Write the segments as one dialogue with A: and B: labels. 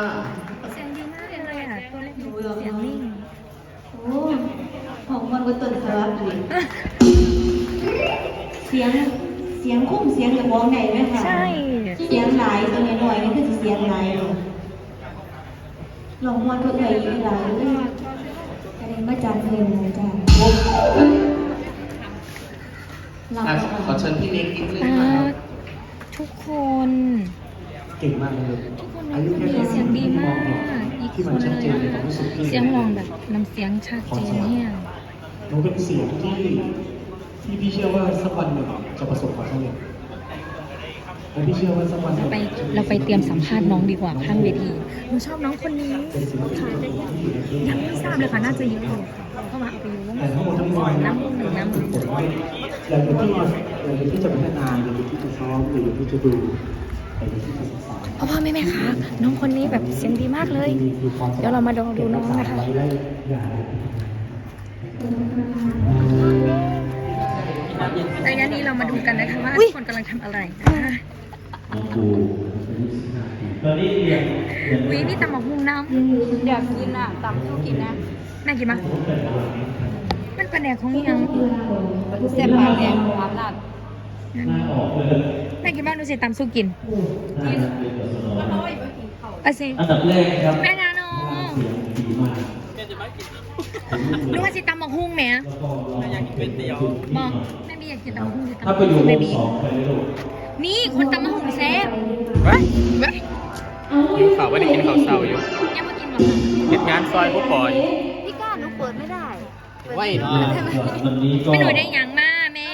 A: เสียงดีมากเลยอ่ะตัวเล็กๆเสียงนิ่ง
B: โอ้ของมันก็ต้นสวัสดีเสียงคุ้มเสียงกับวงไหนไหมคะ
A: ใช่
B: เสียงหลายตัวน้อยนี่คือเสียงหลายลองมวนก็เอ่ยหลายเลยกระเด็นมาจานเคยเลยจ้า
C: ขอเชิญพี่เล็กนิดนึงนะครับ
A: ทุกคน
C: เก่งมากเลย
A: ทุกคนน้องคนนี้เสียงดีมากอีกคนเลยเสียงร้องแบบน้ำเสียงชัดเจนเนี่ย
C: น้องเป็นเสียงที่พี่เชื่อว่าสักวันหนึ่งจะประสบความสำเร็จและพี่เชื่อว่าสักวันหนึ่ง
A: เราไปเตรียมสัมภาษณ์น้องดีกว่าข้างเวทีหนูชอบน้องคนนี้ค่ะยังไม่ทราบเลยค่ะน่าจะเยอะอยู่เข้ามาเอาไปอยู่
C: แต่ทั้งหมดทั้งมวล
A: น้ำหนึ่งน้ำหนึ่ง
C: เราอยู่ที่จะพัฒนาเราอยู่ที่จะซ้อมเราอยู่ที่จะดูเราอยู่ที่จะศึกษา
A: พ่อแม่คะน้องคนนี้แบบเสียงดีมากเลยเดี๋ยวเรามาดูน้องนะคะระยะนี้เรามาดูกันนะคะว่าทุกคนกำลังทำอะไรนะคะวินี่ตำหมกมุงน้ำ
B: อยากกินอ่ะตำสู้กินนะ
A: แม่กินมั้ยมันเป็นแดกของยัง
B: เส้นปลาแดงความลัด
A: แม่กินบ้างดูสิตำสู้กินอาสิ
C: อันดับแรกครับ
A: แม่นาโนนึกว่าสิตำหมกหุ้งแม่
C: อยากกินก๋วยเตี๋ยว
A: บอกแม่บีอยากกินตำหมกหุ้ง
C: ถ้าไปอยู่วงสองไปเลยลูก
A: นี่คนตำหมกหุ้งแซ่บ
D: ข่าวว่าได้กินข้าวเช้าอยู่
A: ยังไม่กินหรอก
D: ติดงานซอยผู้ปอย
B: พี่ก้าหนูเปิดไม่ได้
D: ไว้เนาะ
A: ไม่หน่อยได้ยังมาแม่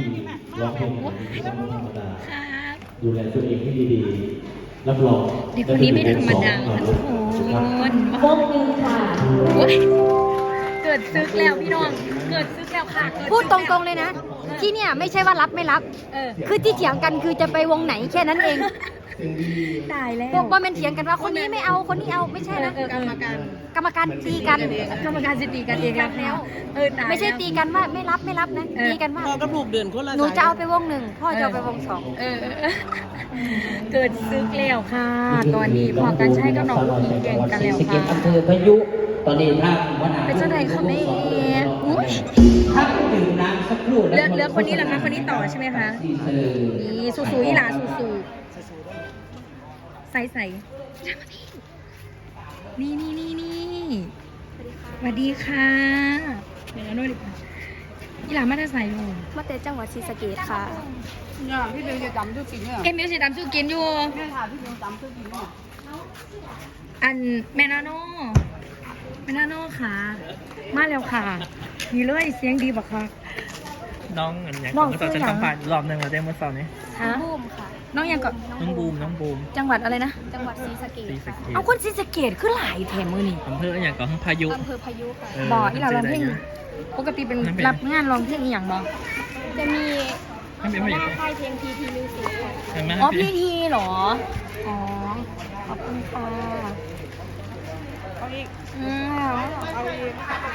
C: ดูแลตัวเองให้ดีๆรับรอง
A: เด็กคนนี้ไม่ธรรมดาทุกคน
B: พบนึงค่ะ
A: เกิดซึกแล้วพี่น้องเกิดซึกแล้วค่ะ
B: พูดตรงๆเลยนะที่เนี่ยไม่ใช่ว่ารับไม่รับคือที่เถียงกันคือจะไปวงไหนแค่นั้นเอง
A: ตายแล้ว
B: พวกว่ามันเถียงกันว่าคนนี้ไม่เอาคนนี้เอาไม่ใช่นะกรรมการตีกัน
A: กรรมการจะตีกันเองแล้ว
B: ไม่ใช่ตีกันว่าไม่รับนะตีกันว่า
D: พ่อกับลูกเดินคนละ
B: หนูจะเอาไปวงหนึ่งพ่อจะเอาไปวงสอง
A: เกิดซึกแล้วค่ะตอนนี้พอกันใช้กับน้องลูกอีกแข่งกันแล้วค่ะ
C: อำเภอพายุตอนนี้ถ้า
A: เป็นเจ้าใดเขาไม่
C: ถ้าดื่มน้ำสักครู่
A: เลือกคนนี้เหรอคะคนนี้ต่อใช่ไหมคะนี่สูๆอีหลาสูใส่นี่สวัสดีค่ะเดี๋ยวด้วยดิอีหลามาได้ใส่อยู่
B: มาแต่จังหวัดศรีสะเกษค่ะ
D: เนี่ยพี่เบลจะจำทุกสิ่งเนี่ย
A: มิวสิตำสู้กินอยู่
D: แม่ถามพี่เบลจำทุกสิ่งเนี่ย
A: อันแม่นาโน่ค่ะมาแล้วค่ะมีเลยเสียงดีบักค่ะ
D: น้องอย่างเมื่อตอนฉันสัมภาษณ์รอบหนึ่งเราได้เมื่อตอนนี้
B: บูมค่ะ
A: น้องยังก็
D: น้องบูม
A: จังหวัดอะไรนะ
B: จังหวัดศรีสะเกษค่ะ
A: เอาคนศรีสะเกษคือหลายแถมมือนี่
D: อำเภออย่างก็พายุ
B: อำเภอพายุค่ะ
A: บอกที่เราร้องเพลงปกติเป็นรับงานร้องเพลงอย่างบอก
B: จะมีหน้าค่ายเพลงพีทีมิวสิกค่ะ
A: อ๋อพีทีเหรออ๋อขอบคุณค่ะ
D: เอาอีก
A: เอาอีก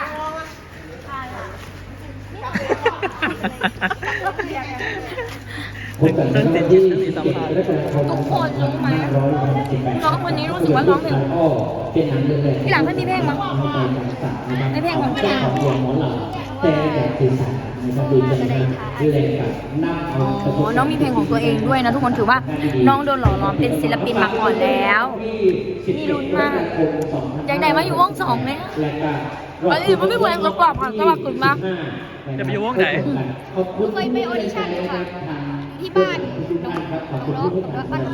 C: ตั้งแต่ที่
A: ทุกคนรู้ไหมน้องคนนี้รู้สึกว่าร้องเพลงพี่หลังไม่มีเพลงมั้งไม่เพลงของพี่หลัง
C: แต่สื่อสารนะครับดูจะดูแลกับนั่ง
A: น้องมีเพลงของตัวเองด้วยนะทุกคนถือว่าน้องโดนหล่อหลอมเป็นศิลปินมาก่อนแล้วนี่ลุ้นมากอยากได้มาอยู่วงสองเลยอันนี้มันไม่เหมือนกับกรอบค่ะกรอบกลุ่มมาก
D: จะไปอยู่วงไหน
B: เคยไปออดิชั่นเลยค่ะที่บ้านน้องบ้าน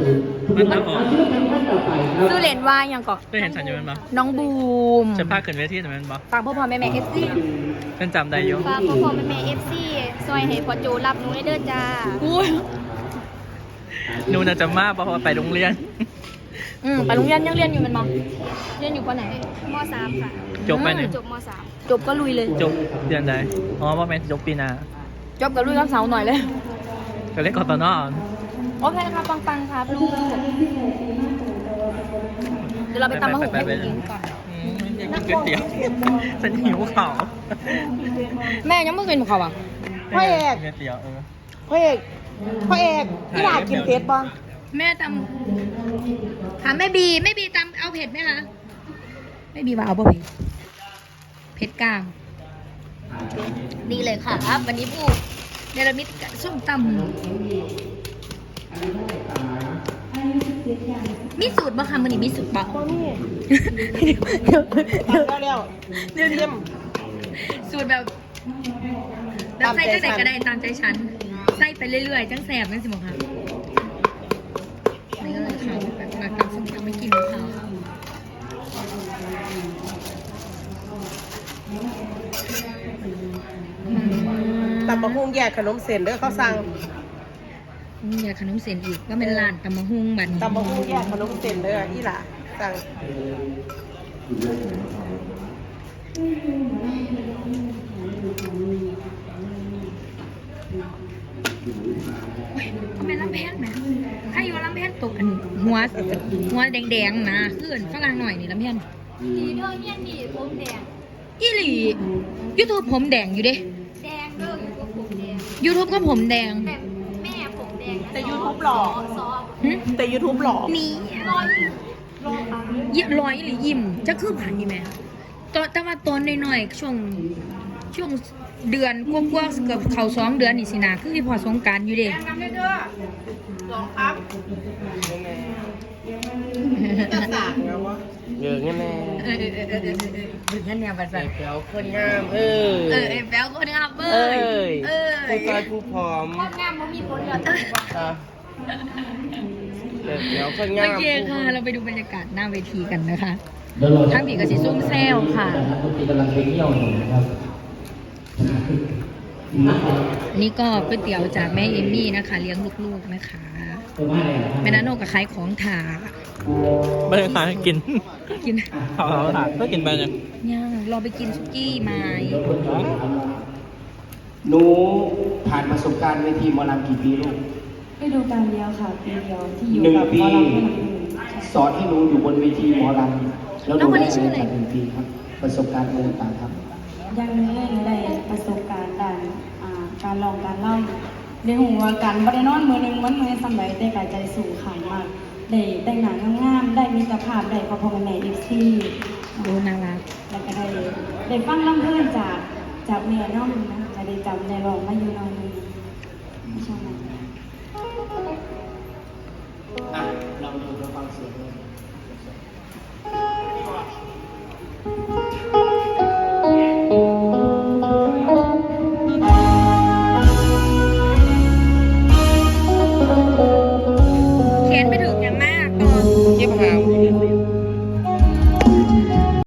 A: ซื้อเหรียญว่ายังก่อน
D: ได้เห็นฉันอยู่มั้ย
A: น้องบูม
D: จะพาขึ้นเวทีแต่มันบ่
A: ฟังพ่อแม่เอฟซี
D: เป็นจำได้อยู่
B: ฟังพ่อแม่เอฟซีซอยให้พ่อโจรับหนูได้เด้อจ้า
D: หนูน่าจะมาเพราะว่าไปโรงเรียน
A: ไปโรงเรียนยังเรียนอยู่มันมั้งเรียนอยู่ปไหน
B: ม.3 ค่ะ
D: จบไปหนึ่ง
B: จบม.3
A: จบก็ลุยเลย
D: จบเดือนใดอ๋อว่าแม่จบปีหน้า
A: จบก็ลุยรับเสาหน่อยเลย
D: ก็เล่นกอตนอ
A: โอเคครับปังครับลูกเดี๋ยวเราไปตำมะฮุ่งให้กินก่อน
D: กินก๋วยเตี๋ยวฉันหิวข่าว
A: แม่ยังไม่กินเขาอ่ะพ่อเอก
D: ก๋วยเตี๋ยว
A: พ่อเอกที่หลากินเพชรบ้างแม่ตำถามแม่บีตำเอาเผ็ดไหมคะแม่บีว่าเอาเผ็ดเผ็ดกลางนี่เลยค่ะครับวันนี้ผู้เนรมิตส้มตำมีสูตรบ่คะมันนี่มีสูตรบ่เดี๋ยวสูตรแบบใส่จังไหนก็ได้ตามใจฉันใส่ไปเรื่อยๆจังแสบจังสิบอกค่ะนี่ก็เลยค่ะแบบมาตำส้มตำไม่กินมะพร้าวค่ะ
E: ตำบักหุ่งแยกขนมเส้นเด้อเขาสั่ง
A: อยากขนมเส้นอีกก็เป็นร้านตำมะฮุ่งบัดนี้
E: ตำบักหุ่งแยกขนมเส้นเด้ออีหล่ะสั่ง
A: ทำไมลำแพนไหมถ้าอยู่ลำแพนตกอันหัวแดงๆนะขึ้นฝรั่งหน่อยนี่ลำแพน
B: ดีเด้อเนี่ยดีผมแดง
A: อีหลียูทูบผมแดงอยู่เด้
B: แดงเด้ออยู่กับผมแดง
A: ยูทูบก็ผมแดง
B: แต่แม่ผมแดง
E: แต่ YouTube หล่อ
B: ซอ
A: หึ
E: แต่ YouTube หล่อ
A: นี่
B: รอยปัง
A: ยิ้มรอยหรือยิ้มจะคือผ่านนี่ไหมตอนแต่ว่าตอนน้อยๆช่วงเดือนกว่าๆเกือบเข้า2 เดือนนี่สินะคือพอสงกรานต์อยู่เด้
E: น้ำเด้อลองครับจะสั่งแล้ววะเยอะแน่
A: ถึงนั่นเนี่ยภาษา
E: แก้วคนงาม
A: แป๊วคนงามเบ้ย
E: ผู้ชายผู้ผอม
B: งามมันมีผลเหรอ
E: แก้วคนงา
A: โอ
E: ม
A: เคค่ะ เราไปดูบรรยากาศหน้าเวทีกันนะคะทั้งผีกับสีส้มแซวค่ะ
C: กำลังไปเที่ยวอยู่นะครับ
A: นี่ก็ก๋วยเตี๋ยวจากแม่เอมมี่นะคะ เลี้ยงลูกๆนะคะแม่นาโนกับขายของถา
D: ไม่ได้ขายกิน
A: กิน
D: เอาถามก็กินไปเนี่ย
A: ย่างเราไปกินซุกี้ไม้
C: หนูผ่านประสบการณ์เวทีหมอลำกี่ปีลูก
F: ฤดูกาลเดียวค่ะปีเดียวที่อยู่
C: หนึ่ง
F: กับ
C: ปี
F: หมอลำให้หนังหนึ่ง
C: สอนให้หนูอยู่บนเวทีหมอลำแล้วหนูได้อะไรจาก1 ปีครับ ประสบการณ์อะไรต่างๆครับ
F: ยังไม่ได้ประสบการณ์การลองการเล่าในหัวกันบ่ได้นอนมือหนึ่งวันมือสำหรับได้กายใจสูงขังมากได้แต่งหนังงามๆได้มีตรภาพได้พอพอกันในอีกที่
A: ดูน่ารัก
F: แล้วก็ได้ฟังลำเพลินจากแม่น้องนะจะได้จำในรองมาอยู่น้อง